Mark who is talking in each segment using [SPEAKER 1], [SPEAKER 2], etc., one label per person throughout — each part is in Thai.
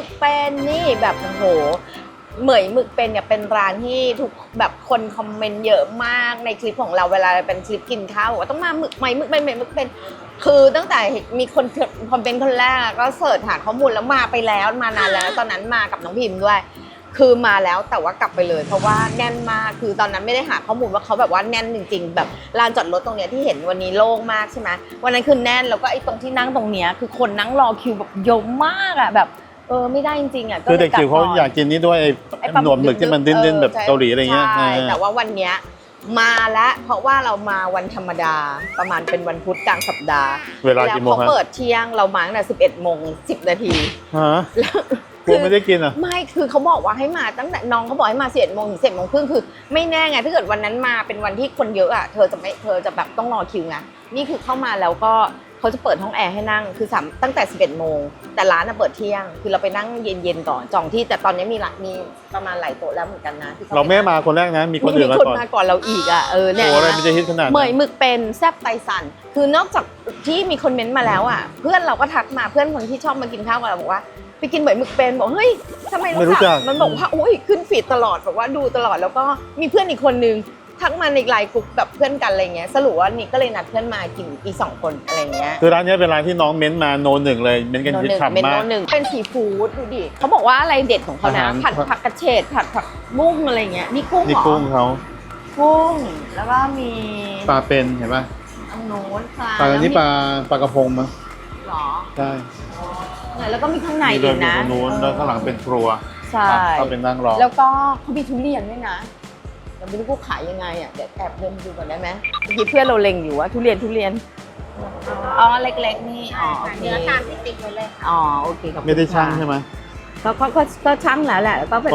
[SPEAKER 1] กเป็นนี่แบบโอ้โหเหมยหมึกเป็นเนี่ยเป็นร้านที่ทุกแบบคนคอมเมนต์เยอะมากในคลิปของเราเวลาเป็นคลิปกินข้าวว่าต้องมาหมึกไหมหมึกเป็นเหมยหมึกเป็นคือตั้งแต่มีคนคอมเมนต์คนแรกก็เสิร์ชหาข้อมูลแล้วมาไปแล้วมานานแล้วตอนนั้นมากับน้องพิมพ์ด้วยคือมาแล้วแต่ว่ากลับไปเลยเพราะว่าแน่นมากคือตอนนั้นไม่ได้หาข้อมูลว่าเขาแบบว่าแน่นจริงๆแบบลานจอดรถตรงเนี้ยที่เห็นวันนี้โล่งมากใช่ไหมวันนั้นคือแน่นแล้วก็ไอ้ตรงที่นั่งตรงเนี้ยคือคนนั่งรอคิวแบบเยอะมากอ่ะแบบไม่ได้จริงๆอ่ะ
[SPEAKER 2] คือเด็กจิ๋วเขาอยากกินนี่ด้วยไอ้หนวดหมึกที่มันดิ้นๆแบบเกาหลีอะไรเงี้ย
[SPEAKER 1] ใช่แต่ว่าวันเนี้ยมาแล้วเพราะว่าเรามาวันธรรมดาประมาณเป็นวันพุธกลางสัปดาห์
[SPEAKER 2] เวลากี่โมงครับ
[SPEAKER 1] เขาเปิดเที่ยงเรามาตั้งแต่11:10 นาที
[SPEAKER 2] ฮะกูไม่ได้กินอ่ะ
[SPEAKER 1] ไม่คือเขาบอกว่าให้มาตั้งแต่น้องเขาบอกให้มา11:00 ถึง 11:30คือไม่แน่ไงถ้าเกิดวันนั้นมาเป็นวันที่คนเยอะอ่ะเธอจะแบบต้องรอคิวไงนี่คือเข้ามาแล้วก็เขาจะเปิดห้องแอร์ให้นั่งคือตั้งแต่11:00แต่ร้านเปิดเที่ยงคือเราไปนั่งเย็นๆก่อนจองที่แต่ตอนนี้มีประมาณหลายโต๊ะแล้วเหมือนกันนะ
[SPEAKER 2] เราไม่มาคนแรกนะมีคนอื่นมาก่อน
[SPEAKER 1] มาก่อนเราอีกอ่ะเนี่ย
[SPEAKER 2] โอ้อะไรมันจะฮิตขนาด
[SPEAKER 1] เหมยหมึกเป็นแซ่บไตสันคือนอกจากที่มีคนเม้นต์มาแล้วอ่ะเพื่อนเราก็ทักมาเพื่อนคนที่ชอบมากินข้าวกับเราบอกว่าไปกินเหมยหมึกเป็นบอกเฮ้ยทำไมรู้จักมันบอกว่าอุ้ยขึ้นฟีดตลอดบอกว่าดูตลอดแล้วก็มีเพื่อนอีกคนนึงทักมาในไลน์กลุ่มแบบเพื่อนกันอะไรเงี้ยสรุปว่านี่ก็เลยนัดเพื่อนมากินอีก2 คนอะไรเงี้ย
[SPEAKER 2] คือร้านนี้เป็นร้านที่น้องเม้นมาโนหนึ่งเลยเม้นกันฮิตฉ่ำมาก
[SPEAKER 1] เป็นซีฟู้ดดูดิเขาบอกว่าอะไรเด็ดของเขานะผัดผักกระเฉดผัดผักบุ้งอะไรเงี้ยนี่กุ้งเหรอ
[SPEAKER 2] นี่กุ้งเขา
[SPEAKER 1] กุ้งแล้วก็มี
[SPEAKER 2] ปลาเป็นเห็นป่ะ
[SPEAKER 1] อันโน้น
[SPEAKER 2] ปลานี่ปลากระพงมั้ง
[SPEAKER 1] หรอ
[SPEAKER 2] ใช่
[SPEAKER 1] แล้วก็มีข้างในอีกนะ
[SPEAKER 2] โน้นแล้วข้างหลังเป็นครัว
[SPEAKER 1] ใช่
[SPEAKER 2] ก็เป็นนั่งรอ
[SPEAKER 1] แล้วก็เขามีทุเรียนด้วยนะเราไม่รู้กูขายยังไงอ่ะเดี๋ยวแอบเดินดูก่อนได้ไหมเมื่อกี้เพื่อนเราเล็งอยู่ว่าทุเรียนอ๋อเล็กๆนี่อ๋อ
[SPEAKER 3] เนื้อตามที่ติ๊กไว้เลยค่ะ
[SPEAKER 1] อ๋อโอเคครับ
[SPEAKER 2] ไม่ได้ช่างใช่ไหม
[SPEAKER 1] ก็ช่างแล้วแหละแล้วก็เป็น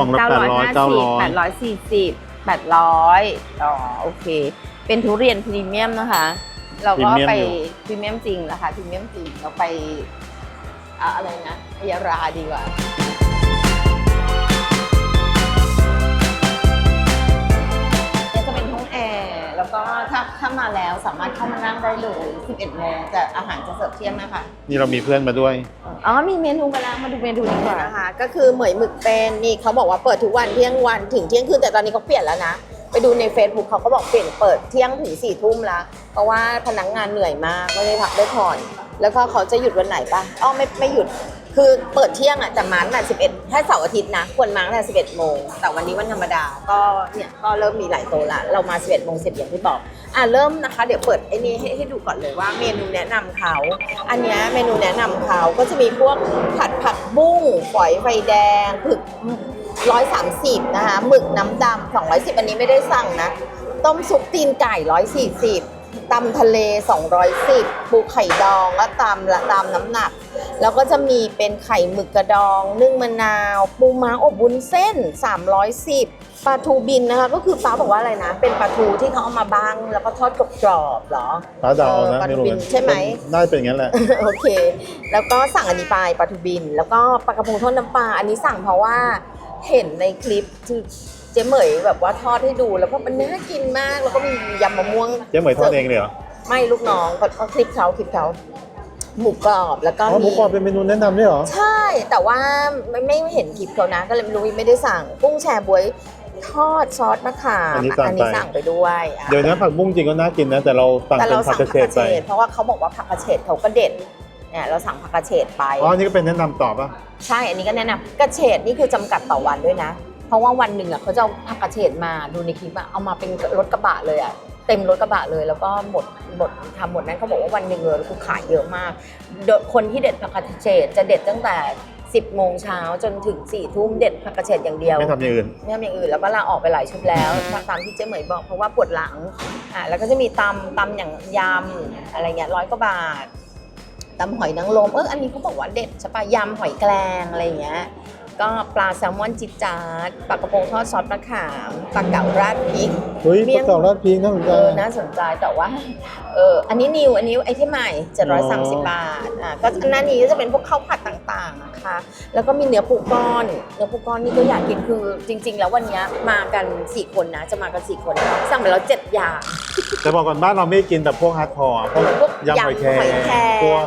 [SPEAKER 1] 950 800อ๋อโอเคเป็นทุเรียนพรีเมียมนะคะเราก็ไปพรีเมียมจริงราคาพรีเมียมจริงเราไปอะไรนะพยาราดีกว่าจะเป็นห้องแอร์แล้วก็ถ้ามาแล้วสามารถเข้ามานั่งได้เลย11:00แต่อาหารจะเสิร์ฟเที่ยงนะคะ
[SPEAKER 2] นี่เรามีเพื่อนมาด้วย
[SPEAKER 1] มีเมนูมาแล้วมาดูเมนูดีกว่านะคะก็คือเหมยหมึกเป็นนี่เขาบอกว่าเปิดทุกวันเที่ยงวันถึงเที่ยงคืนแต่ตอนนี้เขาเปลี่ยนแล้วนะไปดูใน Facebook เขาก็บอกเปิดเที่ยงถึง4 ทุ่มแล้วเพราะว่าพนักงานเหนื่อยมากไม่ได้พักได้ผ่อนแล้วก็เขาจะหยุดวันไหนปะไม่หยุดคือเปิดเที่ยงอ่ะแต่มาตั้งแต่11ถ้าเสาร์อาทิตย์นะควรมาตั้งแต่11:00แต่วันนี้วันธรรมดาก็เนี่ยก็เริ่มมีหลายโต๊ะละเรามา11:10อย่างที่บอกเริ่มนะคะเดี๋ยวเปิดไอ้นี่ให้ดูก่อนเลยว่าเมนูแนะนำเขาอันนี้เมนูแนะนำเขาก็จะมีพวกผัดผักบุ้งฝอยไฟแดงผึก130นะคะหมึกน้ำดำ210อันนี้ไม่ได้สั่งนะต้มซุปตีนไก่140ตำทะเล210ปูไข่ดองแล้วตามน้ำหนักแล้วก็จะมีเป็นไข่หมึกกระดองนึ่งมะนาวปูม้าอบวุ้นเส้น310ปลาทูบินนะคะก็คือป้าบอกว่าอะไรนะเป็นปลาทูที่เขาเอามาบ้างแล้วก็ทอดกรอบๆเหรอ
[SPEAKER 2] ปลาดาวนะ
[SPEAKER 1] ปลาทูบินใช่ไหม
[SPEAKER 2] น่าจะเป็นอย่างนั้นแหละ
[SPEAKER 1] โอเคแล้วก็สั่งอันนี้ไปปลาทูบินแล้วก็ปลากระพงทอดน้ำปลาอันนี้สั่งเพราะว่าเห็นในคลิปคือเจ๊เหมยแบบว่าทอดให้ดูแล้วก็มันน่ากินมากแล้วก็มียำมะม่วง
[SPEAKER 2] เจ๊เหมยทอดเองเลยเหรอ
[SPEAKER 1] ไม่ลูกน้องเขาคลิปเขาหมูกรอบแล้วก็
[SPEAKER 2] หมูกรอบเป็นเมนูแนะนำด้วยเหรอ
[SPEAKER 1] ใช่แต่ว่าไม่เห็นคลิปเขานะก็เลยไม่รู้ไม่ได้สั่งกุ้งแชบ๊วยทอดซอสมะขามอันนี้สั่งไปด้วย
[SPEAKER 2] เดี๋ยวนี้ผักบุ้งจริงก็น่ากินนะแต่เราสั่งเป็นผักกระเฉดไป
[SPEAKER 1] เพราะว่าเขาบอกว่าผักกระเฉดเขาก็เด็ดเนี่ยเราสั่งผักกระเฉดไป
[SPEAKER 2] นี่ก็เป็นแนะนำต่อป่ะ
[SPEAKER 1] ใช่อันนี้ก็แนะนำกระเฉดนี่คือจำกัดต่อวันด้วยนะเพราะว่าวันหนึ่งเขาจะเอาผักกระเฉดมาดูในคลิปเอามาเป็นรถกระบะเลยเต็มรถกระบะเลยแล้วก็หมดนั้นเขาบอกว่าวันหนึ่งเลยคือขายเยอะมากคนที่เด็ดผักกระเฉดจะเด็ดตั้งแต่10 โมงเช้าจนถึง4 ทุ่มเด็ดผักกระเฉดอย่างเดียว
[SPEAKER 2] ไม่ทำอย่างอื่น
[SPEAKER 1] แล้วก็ลาออกไปหลายชุดแล้วตามที่เจ๊เหมยบอกเพราะว่าปวดหลังแล้วก็จะมีตำอย่างยำอะไรเงี้ย100 กว่าบาทตำหอยนางรมอันนี้เขาบอกว่าเด็ดใช่ปะยำหอยแครงอะไรเงี้ยก็ปลาแซลมอนจิจาร์ปลากระพงทอดซอสมะขามปลาเก๋าราดพริก
[SPEAKER 2] ปลาเก๋าราดพริกน่าสนใจ
[SPEAKER 1] น่าสนใจแต่ว่าอันนี้ไอเทมใหม่730 บาทก็หน้านี้ก็จะเป็นพวกข้าวผัดต่างๆนะคะแล้วก็มีเนื้อปูก้อนนี่ก็อยากกินคือจริงๆแล้ววันนี้มากัน4 คนนะจะมากัน4 คนสั่งไปแล้ว7 อย่าง
[SPEAKER 2] แต่บอกก่อนบ้านเราไม่กินแต่พวกฮาร์ดคอร์พวกยำหอยแครงพวก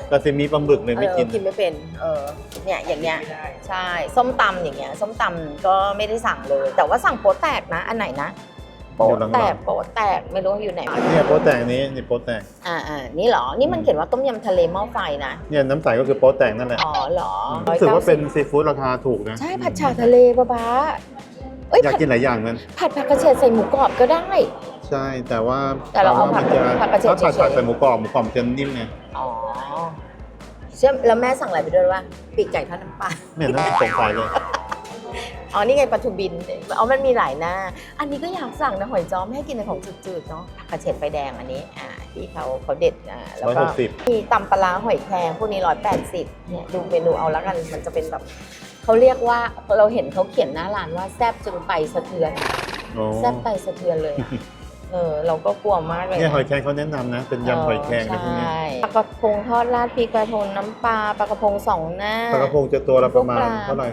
[SPEAKER 2] ซาซิมิปลาหมึกเลยไม่กิน
[SPEAKER 1] กินไม่เป็นเนี่ยอย่างเงี้ยใช่ส้มตำอย่างเงี้ยส้มตำก็ไม่ได้สั่งเลย แต่ว่าสั่งโป๊ะแตกนะอันไหนนะโป๊ะแตกไม่รู้อยู่ไหน
[SPEAKER 2] เนี่ยโป๊ะแตกนี้นี่โป๊ะแตก
[SPEAKER 1] นี่เหรอนี่มันเขียนว่าต้มยำทะเลหม้อไฟนะ
[SPEAKER 2] เนี่ยน้ำใสก็คือโป๊ะแตกนั่นแหละ
[SPEAKER 1] อ๋อเหรอ
[SPEAKER 2] รู้สึกว่าเป็นซีฟู้ดราคาถูกนะ
[SPEAKER 1] ใช่ผัดฉ่าทะเลบ้าเอ้ย
[SPEAKER 2] อยากกินหลายอย่างนั้น
[SPEAKER 1] ผัดผักกระเฉดใส่หมูกรอบก็ได้
[SPEAKER 2] ใช่แต่ว่า
[SPEAKER 1] แต่เราเอาผักกระเฉด
[SPEAKER 2] ถ้าผัด
[SPEAKER 1] เฉยๆ
[SPEAKER 2] ใส่หมูกรอบมันจะนิ่มไง
[SPEAKER 1] อ๋อเชื่อแล้วแม่สั่งอะไรไปด้วยวะปีกไก่ทอดน้ำปลา
[SPEAKER 2] ไม่เห็นน่าสงสัยเลย
[SPEAKER 1] อ๋อนี่ไงปลาทูบินมันมีหลายหน้า อันนี้ก็อยากสั่งนะหอยจ้อมให้กินในของจืดๆเนาะผักกระเฉดไฟแดงอันนี้ที่เขาเด็ดแล้วก็มีตำปลาหอยแครงพวกนี้180เนี่ยดูเมนูเอาแล้วกันมันจะเป็นแบบเขาเรียกว่าเราเห็นเขาเขียนหน้าร้านว่าแซ่บจนไตสะเทือนแซ่บไตสะเทือนเลยเราก็กลัวมากเลย
[SPEAKER 2] เนี่ยหอยแครงเขาแนะนำนะเป็นยำหอยแครงอะไรพวกนี้
[SPEAKER 1] ปลากระพงทอดราดพริกกระทงน้ำปลาปลากระพง2 หน้า
[SPEAKER 2] ปลากระพงจะตัวละประมาณเท่าไหร่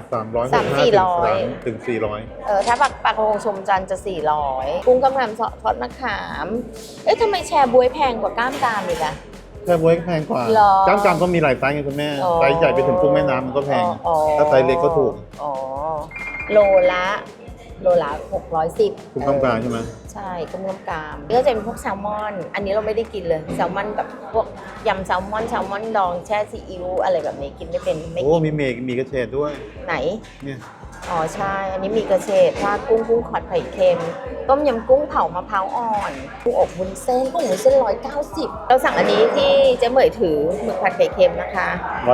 [SPEAKER 2] 300 ถึง400
[SPEAKER 1] ถ้าปลากระพงชมจันทร์จะ400กุ้งกำลังทอดมะขามทำไมแชร์บ๊วยแพงกว่าก้ามกรามอีกอะ
[SPEAKER 2] แค่บ๊วยแพงกว่าจ้ามจามก็มีหลายไซส์ไงคุณแม่ไซส์ใหญ่ไปถึงกุ้งแม่น้ำมันก็แพงถ้าไซส์เล็กก็ถูก
[SPEAKER 1] โลละ610
[SPEAKER 2] กุ้งกำกลางใช่ไหม
[SPEAKER 1] ใช่กุ้งกำกามก็จะเป็นพวกแซลมอนอันนี้เราไม่ได้กินเลยแซลมอนแบบพวกยำแซลมอนดองแช่ซีอิ๊วอะไรแบบนี้กินไม่เป็นไม่กิน
[SPEAKER 2] มีกระเฉดด้วย
[SPEAKER 1] ไหน
[SPEAKER 2] เนี่ย
[SPEAKER 1] ใช่อันนี้มีกระเฉดราดกุ้งขอดไข่เค็มต้มยำกุ้งเผามะพร้าวอ่อนกุ้งอบวุ้นเส้น190เราสั่งอันนี้ที่เจ๊เหมยถือหมึกผัดไข่เค็มนะคะ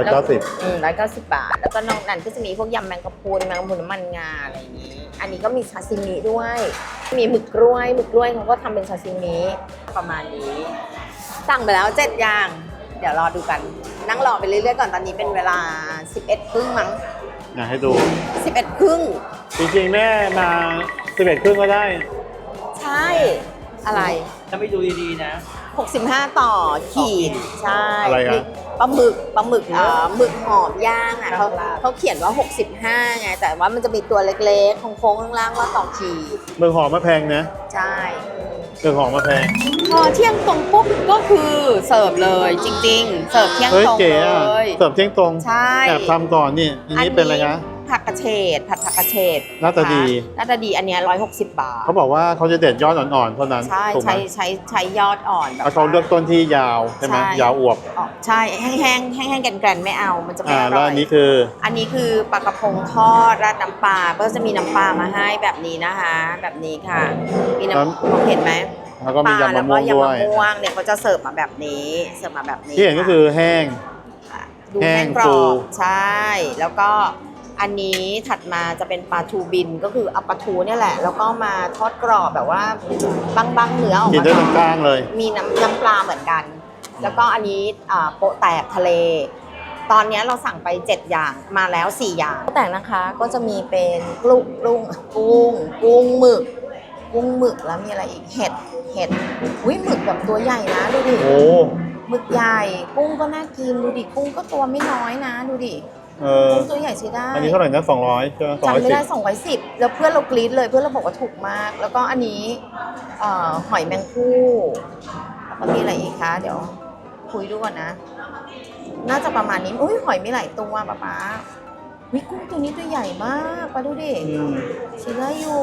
[SPEAKER 1] 190 บาทแล้วก็นอกนั้นก็จะมีพวกยำแมงกะพรุนน้ำมันงาอะไรอย่างนี้อันนี้ก็มีซาซิมิด้วยมีหมึกกล้วยเขาก็ทำเป็นซาซิมิประมาณนี้สั่งไปแล้ว7 อย่างเดี๋ยวรอดูกันนั่งรอไปเรื่อยๆก่อนตอนนี้เป็นเวลา 11 ครึ่งมั้ง
[SPEAKER 2] อยากให้ดู
[SPEAKER 1] 11 ครึ่ง
[SPEAKER 2] จริงๆแม่มา11 ครึ่งก็ได้
[SPEAKER 1] ใช่อะไร
[SPEAKER 4] ถ้าไม่ดูดีๆนะ
[SPEAKER 1] 65ต่อขีดใช่
[SPEAKER 2] อะไรครับ
[SPEAKER 1] ปลาหมึกหมึกหอมย่างเขาเขียนว่า65ไงแต่ว่ามันจะมีตัวเล็กๆโค้งๆข้างล่างว่าต่อขีด
[SPEAKER 2] หมึกหอมมาแพงนะ
[SPEAKER 1] ใช่
[SPEAKER 2] หมึกหอมมาแพง
[SPEAKER 1] พอเที่ยงตรงปุ๊บก็คือเสิร์ฟเลยจริงๆเสิร์ฟเที่ยงตรงเลย
[SPEAKER 2] เสิร์ฟเที่ยงตรง
[SPEAKER 1] ใช่
[SPEAKER 2] แต่ทำก่อนนี่อันนี้เป็นอะไรนะ
[SPEAKER 1] ผักกระเฉดผัดผักกระเฉด
[SPEAKER 2] หน้าตาดี
[SPEAKER 1] อันนี้160 บาท
[SPEAKER 2] เขาบอกว่าเขาจะเด็ดยอดอ่อนๆเท่านั้น
[SPEAKER 1] ใช้ยอดอ่อนแบบ
[SPEAKER 2] เขาเลือกต้นที่ยาวใช่ไหมยาวอวบ
[SPEAKER 1] ใช่แห้งแกรนไม่เอามันจะไม่อร่อย
[SPEAKER 2] แล้วอันนี้
[SPEAKER 1] คือปลากระพงทอดราดน้ำปลาก็จะมีน้ำปลามาให้แบบนี้นะคะแบบนี้ค่ะมีน้ำเห็นไหม
[SPEAKER 2] แล้วก็มียำมะม่วงด้วย
[SPEAKER 1] เนี่ยเขาจะเสิร์ฟมาแบบนี้
[SPEAKER 2] ที่เห็นก็คือแห้ง
[SPEAKER 1] กรอบใช่แล้วก็อันนี้ถัดมาจะเป็นปลาทูบินก็คือเอาปลาทูเนี่ยแหละแล้วก็มาทอดกรอบแบบว่าบางเนื้อออกมา
[SPEAKER 2] กินได้ทั้งกลางเลย
[SPEAKER 1] มีน้ำปลาเหมือนกันแล้วก็อันนี้โปะแตกทะเลตอนนี้เราสั่งไป7 อย่างมาแล้ว4 อย่างโปะแตกนะคะก็จะมีเป็นกุ้งหมึกแล้วมีอะไรอีกเห็ดอุ้ยหมึกแบบตัวใหญ่นะดูดิหมึกใหญ่กุ้งก็น่ากินดูดิกุ้งก็ตัวไม่น้อยนะดูดิกุ้งตัวใหญ่ใช้ได้
[SPEAKER 2] อันนี้เท่าไหร่นะ200ใช่ไหม
[SPEAKER 1] จำไม่ได้210แล้วเพื่อนเรากรี๊ดเลยเพื่อนเราบอกว่าถูกมากแล้วก็อันนี้หอยแมงผู้แล้วก็มีอะไรอีกคะเดี๋ยวคุยดูก่อนนะน่าจะประมาณนี้อุ้ยหอยมีหลายตัวป๊าวิกุ้งตัวนี้ตัวใหญ่มากป้าดูดิใช้ได้อยู่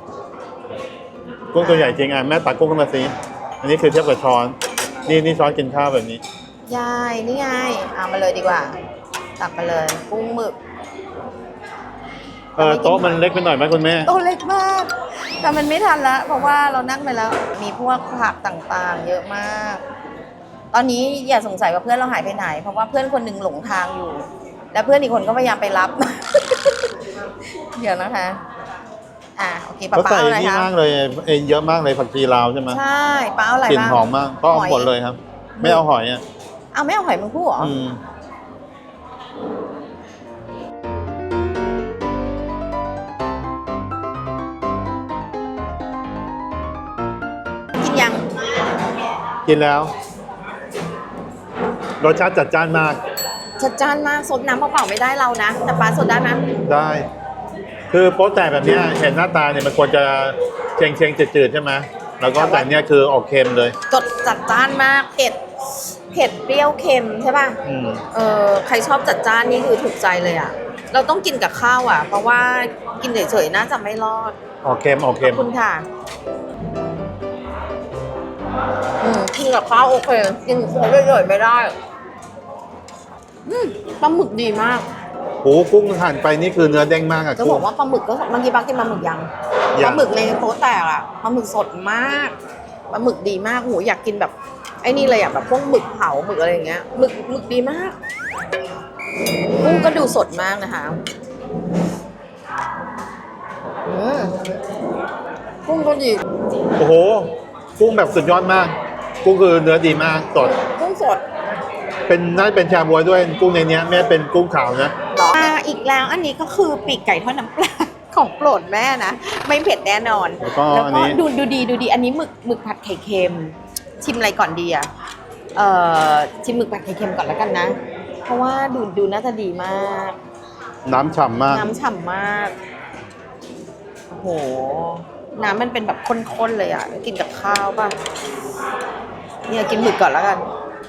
[SPEAKER 2] กุ้งตัวใหญ่จริงแม่ตักกุ้งขึ้นมาสิอันนี้คือเทียบกับช้อนนี่ช้อนกินข้าวแบบนี้
[SPEAKER 1] ยายนี่ไงมาเลยดีกว่าตักมาเลยกุ้งหมึก
[SPEAKER 2] โต๊ะมันเล็กไปหน่อยไหมคุณแม่
[SPEAKER 1] โต๊ะเล็กมากแต่มันไม่ทันละเพราะว่าเรานั่งไปแล้วมีพวกผักต่างๆเยอะมากตอนนี้อย่าสงสัยว่าเพื่อนเราหายไปไหนเพราะว่าเพื่อนคนหนึ่งหลงทางอยู่แล้วเพื่อนอีกคนก็พยายามไปรับเดี๋ยวนะคะโอเคป้าเอาอะไรคะ
[SPEAKER 2] มากเลยเยอะมากเลยผักชีลาวใช่ไหม
[SPEAKER 1] ใช่ป้าเอาอะไรบ้าง
[SPEAKER 2] กลิ่นหอมมากก็หมดเลยครับไม่เอาหอย
[SPEAKER 1] ไม่เอาหอยมึงพูดเหรอกินยัง
[SPEAKER 2] กินแล้วรสชาติจัดจ้านมาก
[SPEAKER 1] ซดน้ำเปล่าๆไม่ได้เรานะแต่ป้าซดได้ไหม
[SPEAKER 2] ได้คือโป๊ะแตกแบบนี้เห็นหน้าตาเนี่ยมันควรจะเชงจืดๆใช่ไหมแล้วก็แต่เนี้ยคือออกเค็มเลย
[SPEAKER 1] จัดจ้านมากเผ็ดผ็ดเปรี้ยวเค็มใช่ป่ะ
[SPEAKER 2] อืม
[SPEAKER 1] ใครชอบจัดจ้านนี่คือถูกใจเลยอ่ะเราต้องกินกับข้าวอ่ะเพราะว่ากินเฉยๆน่าจะไม่รอด
[SPEAKER 2] ออกเค็มออก
[SPEAKER 1] ข
[SPEAKER 2] เค็
[SPEAKER 1] อบ
[SPEAKER 2] ม
[SPEAKER 1] คุณค่ะกินกับข้าวโอเคกินของเฉยๆไม่ได้ปลาหมึกดีมาก
[SPEAKER 2] โอ้กุ้งหั่นไปนี่คือเนื้อเด้งมากอะ
[SPEAKER 1] จะบอกว่าปลาหมึกก็เมื่อกี้ป้ากินปลาหมึกยังปลาหมึกในโต๊ะแตกอ่ะปลาหมึกสดมากปลาหมึกดีมากโหอยากกินแบบไอ้นี่เลยอ่ะแบบพวกหมึกเผาหมึกอะไรอย่างเงี้ยหมึกดีมากกุ้งก็ดูสดมากนะคะกุ้งก็ดี
[SPEAKER 2] โอ้โหกุ้งแบบสุดยอดมาก กุ้งคือเนื้อดีมากสด
[SPEAKER 1] กุ้งสด
[SPEAKER 2] เป็นน่าจะเป็นชาบวยด้วยกุ้งในเนี้ยไม่เป็นกุ้งขาวนะ
[SPEAKER 1] อีกแล้วอันนี้ก็คือปีกไก่ทอดน้ำปลา ของโปรดแม่นะไม่เผ็ดแน่นอน
[SPEAKER 2] แล้วก็อันนี้
[SPEAKER 1] ดูดีอันนี้หมึกผัดไข่เค็มชิมอะไรก่อนดีอ่ะชิมหมึกผัดไข่เค็มก่อนแล้วกันนะ เพราะว่าดูน่าจะดีมาก
[SPEAKER 2] น้ำฉ่ำมาก
[SPEAKER 1] น้ำฉ่ำมากโอ้โหน้ำมันเป็นแบบข้นๆเลยอ่ะกินกับข้าวป่ะเนี่ยกินหมึกก่อนแล้วกัน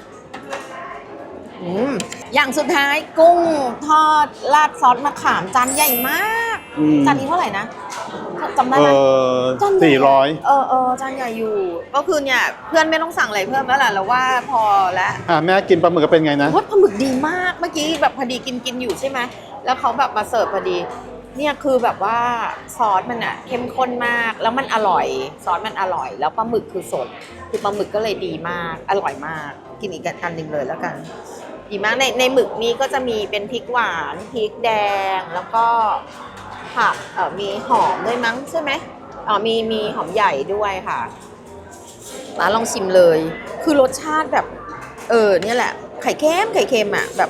[SPEAKER 1] อย่างสุดท้ายกุ้งทอดราดซอสมะขามจานใหญ่มากจานนี้เท่าไหร่นะจำได้ไหมจานใหญ่
[SPEAKER 2] 400
[SPEAKER 1] จานใหญ่อยู่ ก็คือเนี่ยเพื่อนไม่ต้องสั่งอะไรเพิ่มแล้วล่ะเราว่าพอแล้ว
[SPEAKER 2] แม่กินปลาหมึกก็เป็นไงนะ
[SPEAKER 1] ว่าปลาหมึกดีมากเมื่อกี้แบบพอดีกินอยู่ใช่ไหมแล้วเขาแบบมาเสิร์ฟพอดีเนี่ยคือแบบว่าซอสมันอะเข้มข้นมากแล้วมันอร่อยซอสมันอร่อย แล้วปลาหมึกคือสดคือปลาหมึกก็เลยดีมากอร่อยมากกินอีกอันหนึ่งเลยแล้วกันดีมากในหมึกนี้ก็จะมีเป็นพริกหวานพริกแดงแล้วก็ผักมีหอมด้วยมั้งใช่ไหมมีหอมใหญ่ด้วยค่ะมาลองชิมเลย คือรสชาติแบบเนี่ยแหละไข่เค็มอ่ะแบบ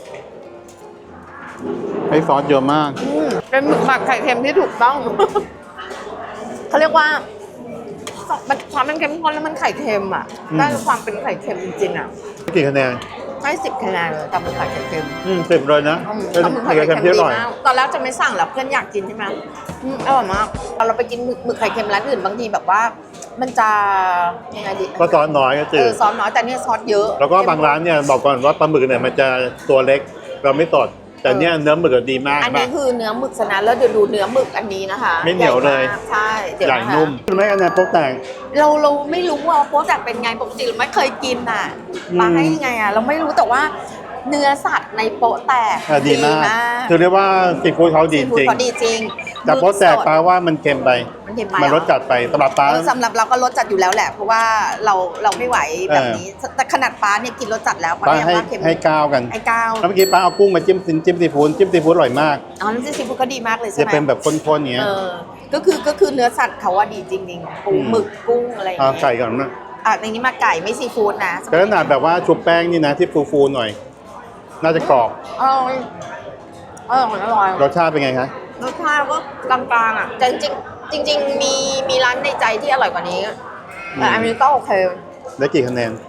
[SPEAKER 2] ให้ซอสเยอะมาก
[SPEAKER 1] เป็นหมึกหมักไข่เค็มที่ถูกต้อง เขาเรียกว่ามันความเป็นเค็มข้นแล้วมันไข่เค็มอ่ะได้ความเป็นไข่เค็มจริงๆอ่ะ
[SPEAKER 2] กี่คะแนน
[SPEAKER 1] ให้10 คะแนนเลยกับหมึกผัดไข่เค็ม
[SPEAKER 2] 10เลยนะเป็น
[SPEAKER 1] ปลาหมึกผัด
[SPEAKER 2] ไข่
[SPEAKER 1] ไข่
[SPEAKER 2] เค็
[SPEAKER 1] เค็
[SPEAKER 2] ม
[SPEAKER 1] ม
[SPEAKER 2] ที่อ
[SPEAKER 1] ดี
[SPEAKER 2] ร่อย
[SPEAKER 1] มากตอนแรกจะไม่สั่งแล้วเพื่อนอยากกินใช่ไหมอร่อยมากเราไปกินหมึกไข่เค็มร้านอื่นบางทีแบบว่า มันจะยังไงดี
[SPEAKER 2] ก็ซอสน้อยก็จืด
[SPEAKER 1] ซอสน้อยแต่เนี่ยซอสเยอะ
[SPEAKER 2] แล้วก็บางร้านเนี่ยบอกก่อนว่าปลาหมึกเนี่ยมันจะตัวเล็กเราไม่สดแต่เนี่ยเนื้อหมึกดีมาก
[SPEAKER 1] อันนี้คือเนื้อหมึกชนะเลิศเดี๋ยวดูเนื้อหมึกอันนี้นะคะ
[SPEAKER 2] ไม่เหนียวเลย
[SPEAKER 1] ใหญ่มากใช่เดี๋ยว
[SPEAKER 2] ใหญ่
[SPEAKER 1] นะคะ
[SPEAKER 2] นุ่มไม่อันนี้พวกแต่ง
[SPEAKER 1] เราไม่รู้ว่าโป๊ะแตกเป็นไงปกติเราไม่เคยกินอ่ะมาให้ยังไงอ่ะเราไม่รู้แต่ว่าเนื้อสัตว์ในโป๊ะแตก
[SPEAKER 2] ดีมากคือเรียกว่าซีฟู้ดเขาดีจริง
[SPEAKER 1] เขาดีจริง
[SPEAKER 2] แต่โป๊ะแตกปลาว่ามันเค็มไป
[SPEAKER 1] มันเค็มไป
[SPEAKER 2] มันรสจัดไปสำหรับปลา
[SPEAKER 1] สำหรับเราก็รสจัดอยู่แล้วแหละ เพราะว่าเราไม่ไหวแบบนี้ แต่ขนาดป้าเนี่ยกินรสจัดแล้ว
[SPEAKER 2] ปลา
[SPEAKER 1] ยังว่าเค็ม
[SPEAKER 2] ให้ก้าวกัน
[SPEAKER 1] ไอ้ก้าว
[SPEAKER 2] แล้วเมื่อกี้ปลาเอากุ้งมาจิ้มซีฟู้ดอร่อยมาก
[SPEAKER 1] อ๋อน้ำจิ้มซีฟู้ดก็ดีมากเลยใช่
[SPEAKER 2] จะ
[SPEAKER 1] ไหม
[SPEAKER 2] เป็นแบบข้นๆอย่างเงี้ย
[SPEAKER 1] ก็คือเนื้อสัตว์เขาว่าดีจริงๆปูหมึกกุ้งอะไรอย่าง
[SPEAKER 2] เอา
[SPEAKER 1] เงี้ย
[SPEAKER 2] ไก่ก่อนนะ
[SPEAKER 1] ในนี้มาไก่ไม่ซีฟู้ดนะ
[SPEAKER 2] แต่ขนาดแบบว่าชุบแป้งนี่นะที่ฟูๆหน่อย น่าจะกรอบ
[SPEAKER 1] อร่อยอร่อย
[SPEAKER 2] รสชาติเป็นไงคะ
[SPEAKER 1] รสชาติก็กลางๆอ่ะแต่จริงมีร้านในใจที่อร่อยกว่านี้แต่อันนี้ก็โอเค
[SPEAKER 2] ได้กี่คะแนน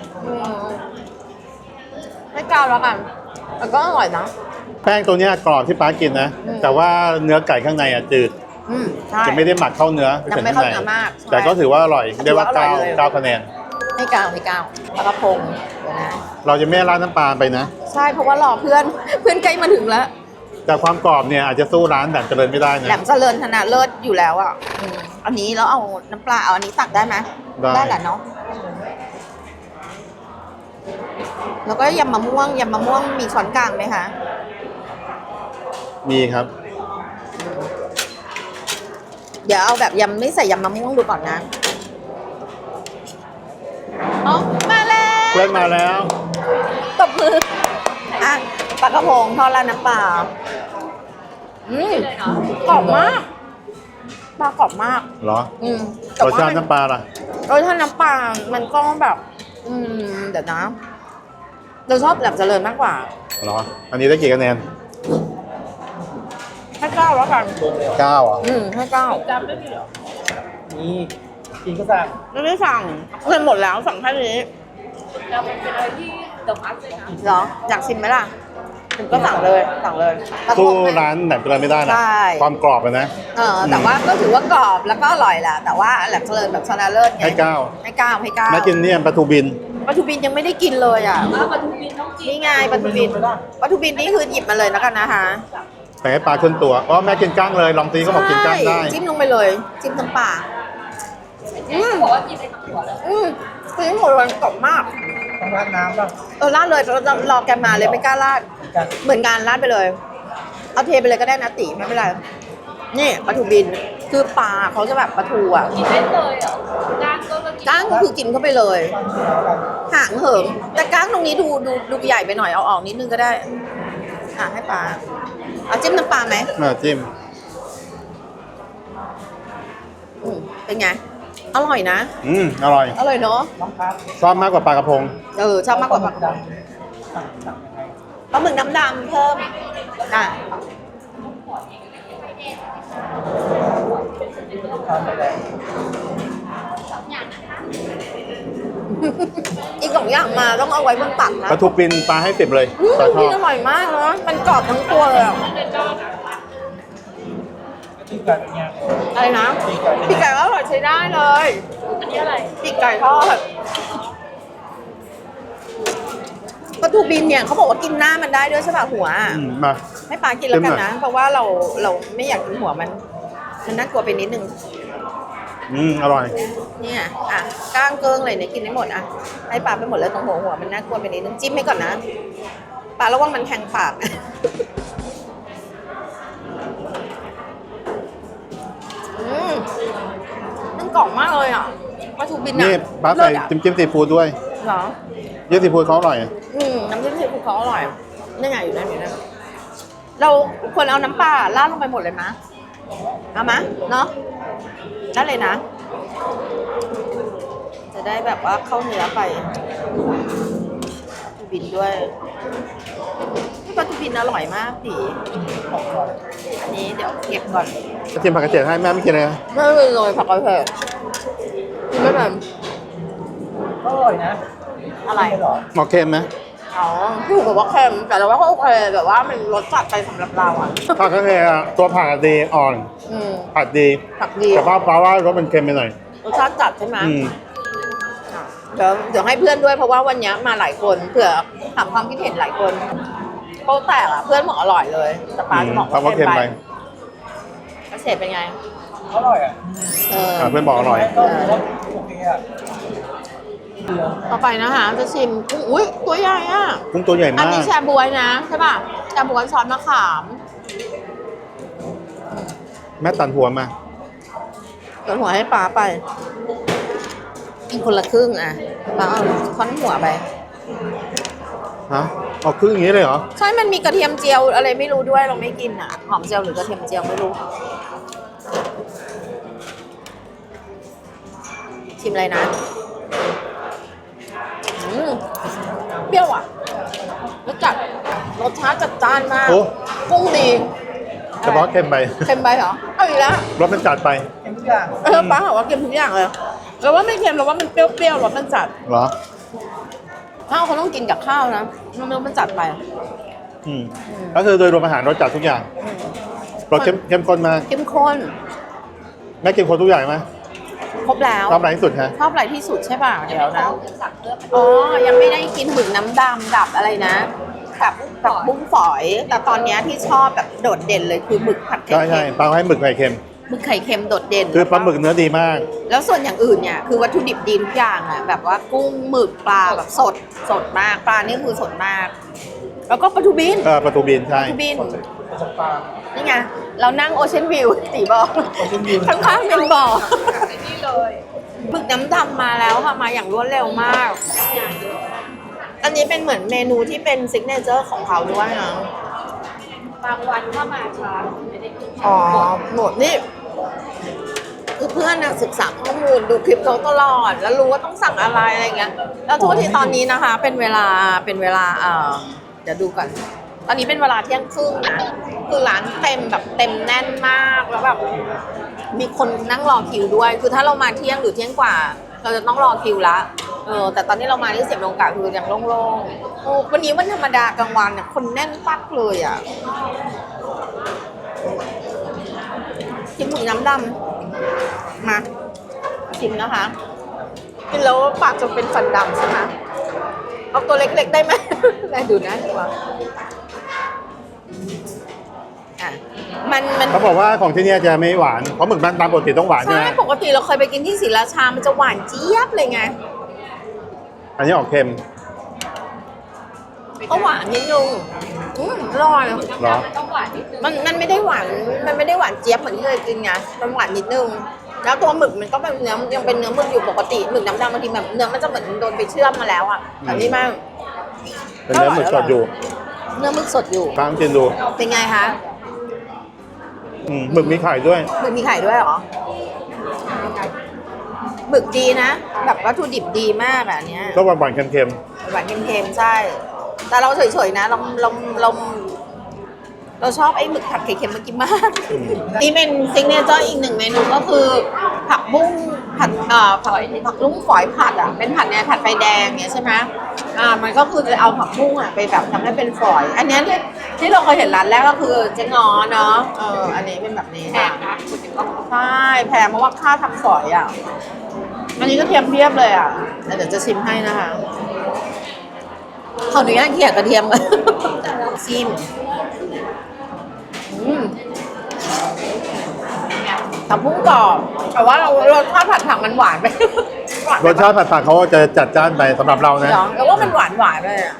[SPEAKER 1] ไม่กล้าแล้วกันแต่ก็อร่อยนะ
[SPEAKER 2] แป้งตัวเนี้ยกรอบที่ป้ากินนะ แต่ว่าเนื้อไก่ข้างในอ่ะจืด
[SPEAKER 1] ใช่
[SPEAKER 2] จะไม่ได้หมักเข้าเนื้อ
[SPEAKER 1] ยังไม่เข้าเนื้อมากใช่
[SPEAKER 2] แต่ก็ถือว่าอร่อยได้ว่า
[SPEAKER 1] ถือว่าอร่อยเลย
[SPEAKER 2] 9คะแนน
[SPEAKER 1] ไม่กล้าปลากระพงเดี๋ยวนะ
[SPEAKER 2] เราจะไม่ราดน้ำปลาไปนะ
[SPEAKER 1] ใช่เพราะว่ารอเพื่อนใกล้มาถึงแล้ว
[SPEAKER 2] แต่ความกรอบเนี่ยอาจจะสู้ร้านแบบเจริญไม่ได้นะ
[SPEAKER 1] แหลมเจริญธนาเลิศอยู่แล้วอ่ะอันนี้แล้วเอาน้ำปลาเอาอันนี้ตักได้ไหม
[SPEAKER 2] ได้
[SPEAKER 1] แหละเนาะแล้วก็ยำมะม่วงมีช้อนกลางไหมคะ
[SPEAKER 2] มีครับ
[SPEAKER 1] เดี๋ยวเอาแบบยำไม่ใส่ยำมะม่วงดูก่อนนะอ๋อมาแล้ว
[SPEAKER 2] เพื่อนมาแล้ว
[SPEAKER 1] ตบมืออ่ะปลากระพงทอดราดน้ำปลากรอบมากปลากรอบมาก
[SPEAKER 2] เหรอ
[SPEAKER 1] แต่
[SPEAKER 2] รส
[SPEAKER 1] ว่
[SPEAKER 2] ชาติน้ำปลาล่ะ
[SPEAKER 1] รสชาติน้ำปลามันก็แบบ เดี๋ยวนะเราชอบแหลมเจริญมากกว่า
[SPEAKER 2] เหรอ อันนี้ได้กี่คะแนน
[SPEAKER 1] ให้เก้าแล้วกัน
[SPEAKER 2] 9อ่ะ
[SPEAKER 1] ให้เก้า
[SPEAKER 4] จำได้ไหมเหรอนี่กินก็สั่ง
[SPEAKER 1] ไม่ได้สั่งเงินหมดแล้วสั่งแค่นี้
[SPEAKER 3] เราเป็นอะไรที่เดอะมัสเลยนะ
[SPEAKER 1] เหรออยากชิมไหมล่ะถึงก็สั่งเลยปลากระ
[SPEAKER 2] สู้
[SPEAKER 1] พง
[SPEAKER 2] ร้านแบบเจริญไม่ได้นะ
[SPEAKER 1] ใช่
[SPEAKER 2] ความกรอบอะนะ
[SPEAKER 1] แต่ว่าก็ถือว่ากรอบแล้วก็อร่อยแหละแต่ว่าแหลมเจริญแบบชนะเลิศไง
[SPEAKER 2] ให้ 9
[SPEAKER 1] ให้เก้า
[SPEAKER 2] แม่กินเนี่ยปลาทูบิน
[SPEAKER 1] ปลาทูบินยังไม่ได้กินเลยอ่ะ
[SPEAKER 3] ปลาทูบินต้องกิน
[SPEAKER 1] นี่ไงปลาทูบินปลาทูบินนี่คือหยิบมาเลยแล้วกันนะคะ
[SPEAKER 2] แต่ให้ปลาขึ้นตัวอ๋อแม่กินก้างเลยลองตีก็บอกกินก้างได้
[SPEAKER 1] ใช่จิ้มลงไปเลยจิ้มทั้งปลา
[SPEAKER 3] บอกว่ากินได้ทั้งหัวเลย
[SPEAKER 1] คือหมดวันกรอบมาก
[SPEAKER 4] ต้องราดน้ำป่ะ
[SPEAKER 1] ราดเลยรอแกมาเลยไม่กล้าราด
[SPEAKER 4] กัน
[SPEAKER 1] เหมือนกันราดไปเลย เอาเทไปเลยก็ได้นะติไม่เป็นไรนี่ปลาทูบินคือปลาเขาจะแบบปลาทูอ่ะ
[SPEAKER 3] กินได้เลยเหรอก้างก็กิน
[SPEAKER 1] ก้างก็คือกินเข้าไปเลยหางเหิมแต่ก้างตรงนี้ดูใหญ่ไปหน่อยเอาออกนิดนึงก็ได้ให้ปลาเอาจิ้มน้ำปลาไหม
[SPEAKER 2] จิ้ม
[SPEAKER 1] เป็นไงอร่อยนะ
[SPEAKER 2] อร่อย
[SPEAKER 1] อร่อยเนาะ
[SPEAKER 4] น้องครับ
[SPEAKER 2] ชอบมากกว่าปลากระพง
[SPEAKER 1] ชอบมากกว่าปลา
[SPEAKER 4] ดำสั่งยังไง
[SPEAKER 1] ปลาหมึกน้ำดำเพิ่ม
[SPEAKER 4] ทานไปแล้ว
[SPEAKER 1] อีก2 อย่างมาต้องเอาไว้บนตักนะ
[SPEAKER 2] ปลาทูปินปลาให้10เลยปลาชอ
[SPEAKER 1] กิน
[SPEAKER 2] บ
[SPEAKER 1] อร่อยมากเนาะมันกรอบทั้งตัวเลยอะ
[SPEAKER 4] ที่กันเนี่ย
[SPEAKER 1] อะไรนะปีกไก่ก็อร่อยใช้ได้เลย
[SPEAKER 3] อันนี้อะไร
[SPEAKER 1] ปีกไก่ทอดปลาทูบินเนี่ยเขาบอกว่ากินหน้ามันได้ด้วยใช่ป่ะหัวอะ
[SPEAKER 2] มา
[SPEAKER 1] ให้ปลากินแล้วกัน
[SPEAKER 2] เต็มหน่
[SPEAKER 1] นะ
[SPEAKER 2] อย
[SPEAKER 1] เพราะว่าเราไม่อยากกินหัวมันน่ากลัวไปนิดนึง
[SPEAKER 2] อร่อย
[SPEAKER 1] เนี่ยก้างเกิ้งเลยเนี่ยกินได้หมดให้ปลาไปหมดเลยตรงหัวมันน่ากลัวไปนิดนึงจิ้มให้ก่อนนะปลาระวังมันแทงปากมันกรอบมากเลยอ่ะปลาทูบิน
[SPEAKER 2] นี่ปลาใส่จิ้มซีฟู้ดด้วย
[SPEAKER 1] เหรอ
[SPEAKER 2] เยอะซีฟู้ดเขาอร่อย
[SPEAKER 1] น้ำจิ้มซีฟู้ดเขาอร่อยนี่ไงอยู่นั่นเราควรเอาน้ำปลาราดลงไปหมดเลยมะเอามะเนาะได้เลยนะ จะได้แบบว่าเข้าเนื้อไปปลาทูบินด้วยปลาทูบินอร่อยมากดิอันนี้เดี๋ยวเก็บก่อน
[SPEAKER 2] จะจิ้มผักกระเจี๊ยบให้แม่ไม่กินเลยนะ
[SPEAKER 1] ไม่เลยโรยผักกระเพรากินไม่เป็น
[SPEAKER 4] อร่อยนะ
[SPEAKER 1] อะไร
[SPEAKER 4] หรอ
[SPEAKER 2] หมอเค็มไหม
[SPEAKER 1] อ๋อพี่หูบอกว่าเค็มแต่เราว่าก็โอเคแบบว่ามันรสจัดไปสำหรับเราอ่ะ
[SPEAKER 2] ผักกระเทียมตัวผักดีอ่อน ผัดดี
[SPEAKER 1] ผักดี
[SPEAKER 2] แต่ว่าปลาว่ารสมันเค็มไปหน่อย
[SPEAKER 1] รสชาติจัดใช่ไหม
[SPEAKER 2] อืม
[SPEAKER 1] เดี๋ยวให้เพื่อนด้วยเพราะว่าวันนี้มาหลายคนเผื่อถามความคิดเห็นหลายคนโป๊ะแตกอ่ะเพื่อนบอกอร่อยเลยแต่ปลาจะบอก
[SPEAKER 2] ปลาว่าเค็มไป
[SPEAKER 1] กระเฉดเป็นไง
[SPEAKER 4] อร่อยอ่ะ
[SPEAKER 2] เพื่อนบอกอร่อย
[SPEAKER 4] ต้มแล้วโอเคอ่ะ
[SPEAKER 1] ต่อไปนะคะจะชิมกุ้งอุ้ยตัวใหญ่อ่ะ
[SPEAKER 2] กุ้งตัวใหญ่
[SPEAKER 1] อัน
[SPEAKER 2] มาก
[SPEAKER 1] นี้แชบวยนะใช่ป่ะแชบวยซอสมะขาม
[SPEAKER 2] แม่ตันหัวมา
[SPEAKER 1] เดี๋ยวหัวให้ปลาไปกินคนละครึ่งอ่ะปลาเอาค้อนหัวไป
[SPEAKER 2] ฮะออกครึ่งอย่างนี้เลยเหรอ
[SPEAKER 1] ใช่มันมีกระเทียมเจียวอะไรไม่รู้ด้วยเราไม่กินอ่ะหอมเจียวหรือกระเทียมเจียวไม่รู้ชิมอะไรนะเปรี้ยวอ่ะรสจัดรสชาติจัดจ้านมาก
[SPEAKER 2] โอ้
[SPEAKER 1] กุ้งดี
[SPEAKER 2] เฉพาะเค็มไป
[SPEAKER 1] เค็มไปเหรอเอาอีกแล้ว
[SPEAKER 2] รสมันจัดไป
[SPEAKER 4] เป็นทุกอย่าง
[SPEAKER 1] ป้าบอกว่าเค็มทุกอย่างเลยเราว่าไม่เค็มเราว่ามันเปรี้ยวๆรสมันจัด
[SPEAKER 2] เหรอ
[SPEAKER 1] ข้าวเขาต้องกินกับข้าวนะมันจัดไป
[SPEAKER 2] ก็คือโดยรวมอาหารรสจัดทุกอย่างรสเข้มข้นมาก
[SPEAKER 1] เข้มข้น
[SPEAKER 2] แม่กินคนทุกอย่างไหม
[SPEAKER 1] ครบแล้ว
[SPEAKER 2] ชอบอะไรที่สุดฮะ
[SPEAKER 1] ชอบอะไรที่สุดใช่ป่ะเดี๋ยวนะ
[SPEAKER 3] สั่งเพิ่ม
[SPEAKER 1] อ๋อยังไม่ได้กินหมึกน้ำดำดับอะไรนะกับบุ้งฝอย แต่ตอนเนี้ยที่ชอบแบบโดดเด่นเลยคือหมึกผัดไข่
[SPEAKER 2] ใช่ใช่
[SPEAKER 1] เค็ม
[SPEAKER 2] ปลาให้หมึกไข่เค็ม
[SPEAKER 1] หมึกไข่เค็มโดดเด่น
[SPEAKER 2] คือปลาหมึกเนื้อดีมาก
[SPEAKER 1] แล้วส่วนอย่างอื่นเนี่ยคือวัตถุดิบดีทุกอย่างอ่ะแบบว่ากุ้งหมึกปลาแบบสดมากปลานี่คือสดมาก แล้วก็ปลาทูบิน
[SPEAKER 2] ปลาทูบินใช่
[SPEAKER 1] ปลาทูบิน
[SPEAKER 4] ประสบการณ์
[SPEAKER 1] นี่ไงเรานั่งโอเชียนวิวตีบอก
[SPEAKER 4] Ocean View
[SPEAKER 1] ข้างๆเป็นบ่อ
[SPEAKER 3] ไอ้นี่เลย
[SPEAKER 1] หมึกน้ำดำมาแล้วค่ะมาอย่างรวดเร็วมาก อันนี้เป็นเหมือนเมนูที่เป็นซิกเนเจอร์ของเขาด้วยนะ
[SPEAKER 3] บางวันถ้ามาช้าไม่ได้กิน
[SPEAKER 1] อ๋อหมดนี่คือเพื่อนน่ะศึกษาข้อมูลดูคลิปเขาตลอด แล้วรู้ว่าต้องสั่งอะไรอะไรเงี้ยแล้วโทษทีตอนนี้นะคะ เป็นเวลาเดี๋ยวดูก่อนตอนนี้เป็นเวลาเที่ยงครึ่งนะคือร้านเต็มแบบเต็มแน่นมากแล้วแบบมีคนนั่งรอคิวด้วย คือถ้าเรามาเที่ยงหรือเที่ยงกว่า เราจะต้องรอคิวละแต่ตอนนี้เรามาที่เสียบลงกะคือยังโล่งๆวันนี้วันธรรมดากลางวันเนี่ยคนแน่นปักเลยอ่ะชิมหมูน้ำดำมาชิมนะคะกินแล้วปากจะเป็นฟันดำใช่ไหมเอาตัวเล็กๆได้ไหม แม่ดูนะดีกว่าอ่ะมัน
[SPEAKER 2] เขาบอกว่าของที่เนี่ยจะไม่หวานเพราะหมึกบ้านตามปกติต้องหวานใช่
[SPEAKER 1] ใช่
[SPEAKER 2] ไหม
[SPEAKER 1] ปกติเราเคยไปกินที่ศรีราชามันจะหวานเจี๊ยบเลยไง
[SPEAKER 2] อันนี้ออกเค็ม
[SPEAKER 1] ก็หวานนิดนึงอร่อย
[SPEAKER 2] เหรอ
[SPEAKER 3] มันต้องหวานนิดนึง
[SPEAKER 1] มันไม่ได้หวานมันไม่ได้หวานเจี๊ยบเหมือนที่เคยกินไงมันหวานนิดนึงแล้วตัวหมึกมันก็เป็นเนื้อยังเป็นเนื้อหมึกอยู่ปกติหมึกน้ำดำบางทีแบบเนื้อมันจะเหมือนโดนไปเชื่อมมาแล้วอ่ะแต่นี่มัน
[SPEAKER 2] เป็นเนื้อหมึกสดอยู่
[SPEAKER 1] เนื้อหมึกสดอยู่
[SPEAKER 2] ตามกินดู
[SPEAKER 1] เป็นไงคะ
[SPEAKER 2] หมึกมีไข่ด้วย
[SPEAKER 1] หมึกมีไข่ด้วยเหรอหมึกดีนะแบบวัตถุดิบดีมากอ่ะอันเนี้ย
[SPEAKER 2] ก็หวานๆเค็ม
[SPEAKER 1] หวานเค็มๆใช่ แต่เราเฉยๆนะเราชอบไอ้หมึกผัดไข่เค็มเมื่อกี้มากนี่เป็นซิกเนเจอร์อีกหนึ่งเมนูก็คือผักบุ้งผัดผักบุ้งฝอยผัดอ่ะเป็นผัดเนี่ยผัดไฟแดงเนี่ยใช่ไหมมันก็คือจะเอาผักบุ้งอ่ะไปแบบทำให้เป็นฝอย อันเนี้ยที่เราเคยเห็นร้านแรกก็คือเจ๊งอเนาะอันนี้เป็นแบบนี้
[SPEAKER 3] แพ
[SPEAKER 1] ค่ะ
[SPEAKER 3] งนะคุณถึงต้อง
[SPEAKER 1] ใช่แพงเพราะว่าค่าทำฝอยอ่ะอันนี้ก็เทียมเพียบเลยอ่ะแต่เดี๋ยวจะชิมให้นะคะขออนุญาตเขี่ยกระเทียมกันชิมผักบุ้งกรอบแต่ว่าเราทอดผัดผักมันหวานไป
[SPEAKER 2] ๆรสชาติผัดๆเขาจะจัดจ้านไปสำหรับเรานะ
[SPEAKER 1] แต่ว่ามันหวานเลยอ่ะ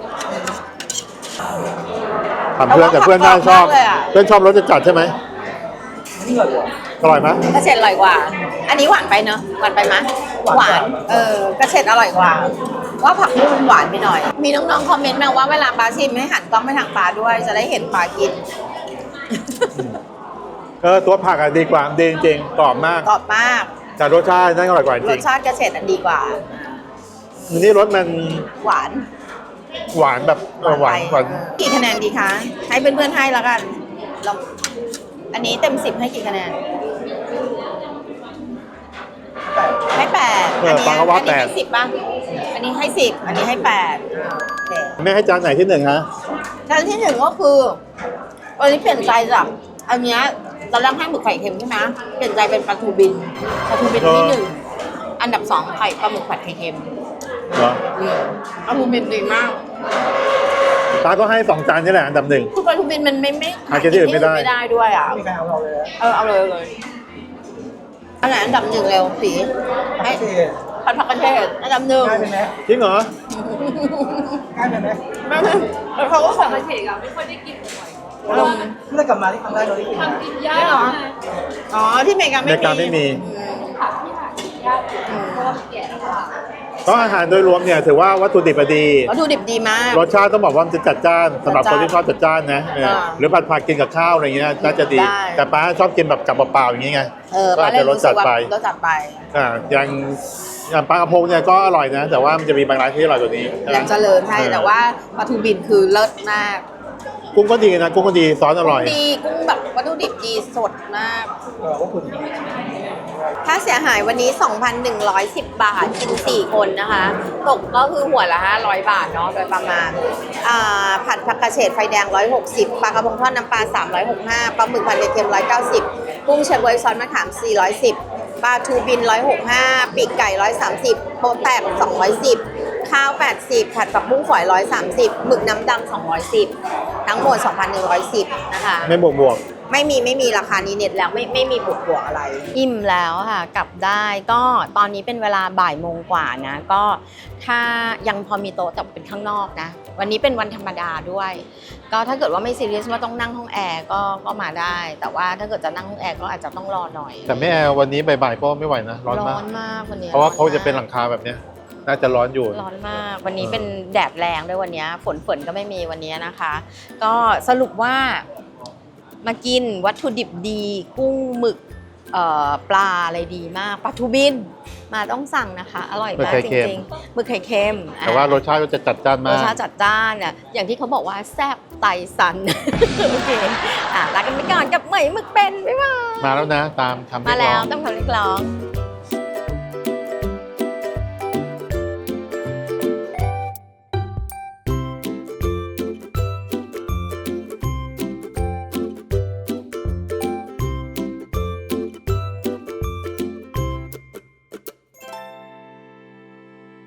[SPEAKER 2] ถามเพื่อนแต่เพื่อนน่าชอบ
[SPEAKER 1] แต่ว่าผักกรอบมากเลยอะ
[SPEAKER 2] เพื่อนชอบรสจัดๆใช่ไหม
[SPEAKER 4] นี่เหรอ
[SPEAKER 2] อร่อยไหม
[SPEAKER 1] กระเฉดอร่อยกว่า อันนี้หวานไปเนอะหวานไปไหมย
[SPEAKER 4] หวาน
[SPEAKER 1] กระเฉดอร่อยกว่า ว่าผักบุ้งมันหวานไปหน่อย มีน้องๆคอมเมนต์มาว่าเวลาปลาชิมให้หันกล้องไปทางปลาด้วย จะได้เห็นปลากิน
[SPEAKER 2] ตัวผักอะดีกว่าดีจริงๆกรอบมาก
[SPEAKER 1] กรอบมาก
[SPEAKER 2] แต่รสชาตินั่นอร่อยกว่าจ
[SPEAKER 1] ร
[SPEAKER 2] ริ
[SPEAKER 1] ส
[SPEAKER 2] ง
[SPEAKER 1] ชาติกระเฉดอันดีกว่า
[SPEAKER 2] นี่รสมัน
[SPEAKER 1] หวาน
[SPEAKER 2] หวานแบบหวานหวาน
[SPEAKER 1] กี่คะแนนดีคะ ให้เพื่อนๆให้แล้วกันเราอันนี้เต็ม10ให้กี่คะแนน
[SPEAKER 4] แต่
[SPEAKER 1] ให้8
[SPEAKER 2] ปลาก็ว่า
[SPEAKER 1] นี้ให้10ป่ะอันนี้ให้10อันนี้ให้8โอเค
[SPEAKER 2] แม่ให้จานไหนที่หนึ่งฮะ
[SPEAKER 1] จานที่หนึ่งก็คือวันนี้เปลี่ยนใจจากอันเนี้ยตอนแรกให้หมึกไข่เค็มใช่ไหมเปลี่ยนใจเป็นปลาทูบินที่หนึ่งอันดับ2ไข่ปลาหมึกผัดไข่เค็ม
[SPEAKER 2] เหรอ
[SPEAKER 1] ปลาทูบินดีมาก
[SPEAKER 2] ตาก็ให้2 จานนี่แหละอันดับ 1
[SPEAKER 1] คือปลาทูบินมันไม่
[SPEAKER 2] หากินที่อื่นไม่ได้
[SPEAKER 1] ไม่ได้ด้วยอ่ะ
[SPEAKER 4] ไม่มีใครเอาเราเลยนะ
[SPEAKER 1] เอาเลยอันไหนอันดับ1เร็วสีให้
[SPEAKER 4] โอเค
[SPEAKER 1] ผัดผักกระเทศอันดับ1
[SPEAKER 4] ง่ายไปไหม
[SPEAKER 2] จริงเหรอ
[SPEAKER 4] ง่ายไปไหม
[SPEAKER 1] แล้วเขาก็
[SPEAKER 3] ผั
[SPEAKER 1] สั่
[SPEAKER 3] ก
[SPEAKER 1] ง
[SPEAKER 3] กระเฉดอะไม่ค่อยได้กินบ่อย
[SPEAKER 4] เมื่อไหร่กลับมาที่ทำได้เราได้กินนะ
[SPEAKER 3] ทำกินยากนะ
[SPEAKER 1] อ๋อที่อเมริกา
[SPEAKER 2] อเมริกาไม่มี
[SPEAKER 3] ผักที่หากินยากเพราะว่ามันแก่แล้วค่ะ
[SPEAKER 2] ก็อาหารโดยรวมเนี่ยถือว่าวัตถุดิบดี
[SPEAKER 1] วัตถุดิบดีมาก
[SPEAKER 2] รสชาติต้องบอกว่ามันจะจัดจ้านสำหรับคนที่ชอบจัดจ้านนะหรือผัดกินกับข้าวอะไรเงี้ยน่าจะดี
[SPEAKER 1] ได้
[SPEAKER 2] แต่ป้าชอบกินแบบกับเปล่าๆอย่างงี้ไง ก็
[SPEAKER 1] ปลา
[SPEAKER 2] อาจ
[SPEAKER 1] เล่
[SPEAKER 2] จะ
[SPEAKER 1] น
[SPEAKER 2] รสจัดไป
[SPEAKER 1] รสจัดไป
[SPEAKER 2] อย่างปลากระพงเนี่ยก็อร่อยนะ แต่ว่ามันจะมีบางร้านที่อร่อยกว่านี้
[SPEAKER 1] แหลมเจริญใช่แต่ว่าปลาทูบินคือเลิศมาก
[SPEAKER 2] กุ้งก็ดีนะกุ้งก็ดีซอสอร่อย
[SPEAKER 1] ดีกุ้งแบบวัตถุดิบดีสดมาก
[SPEAKER 4] ว่าคุณ
[SPEAKER 1] ค่าเสียหายวันนี้ 2,110 บาทกิน4 คนนะคะตกก็คือหัวละ500 บาทเนาะโดยประมาณผัดผักกระเฉดไฟแดง160ปลากระพงทอดน้ำปลา365ปลาหมึกผัดเค็ม190กุ้งเชฟเวยซอสมะขาม410ปลาทูบิน165ปีกไก่130โป๊ะแตก210ข้าว80ผัดผักบุ้งฝอย130หมึกน้ำดำ210ทั้งหมด 2,110 นะคะ
[SPEAKER 2] ไม่บวก
[SPEAKER 1] ไม่มีราคานี้เน็ตแล้วไม่มีบวกอะไร อิ่มแล้วค่ะกลับได้ก็ตอนนี้เป็นเวลาบ่ายโมงกว่านะก็ถ้ายังพอมีโต๊ะแต่เป็นข้างนอกนะวันนี้เป็นวันธรรมดาด้วย ก็ถ้าเกิดว่าไม่ซีเรียสว่าต้องนั่งห้องแอร์ก็มาได้ แต่ว่าถ้าเกิดจะนั่งห้องแอร์ก็อาจจะต้องรอหน่อย
[SPEAKER 2] แต่แม่วันนี้บ่ายๆก็ไม่ไหวนะร้อนมาก
[SPEAKER 1] มากวันนี้
[SPEAKER 2] เพราะว่าเขาจะเป็นหลังคาแบบเนี้ยน่าจะร้อนอยู่
[SPEAKER 1] ร้อนมากวันนี้เป็นแดดแรงด้วยวันนี้ฝนก็ไม่มีวันนี้นะคะ ก็สรุปว่ามากินวัตถุดิบดีกุ้งหมึกปลาอะไรดีมากปลาทูบินมาต้องสั่งนะคะ อร่อยมากจริงๆหมึกไข่เค็ม
[SPEAKER 2] แต่ว่ารสชาติก็จะจัดจ้าน
[SPEAKER 1] ร
[SPEAKER 2] มา
[SPEAKER 1] ส
[SPEAKER 2] ก
[SPEAKER 1] ชาติจัดจ้านน่ะอย่างที่เขาบอกว่าแซ่บไตสัน โอเคลากันไปก่อนกับเหมยหมึกเป็นบ๊ายบาย
[SPEAKER 2] มาแล้วนะตามคำเรี
[SPEAKER 1] มาย
[SPEAKER 2] กร้
[SPEAKER 1] แล้
[SPEAKER 2] อ
[SPEAKER 1] ว
[SPEAKER 2] ง
[SPEAKER 1] ต้องคำเรียกร้อง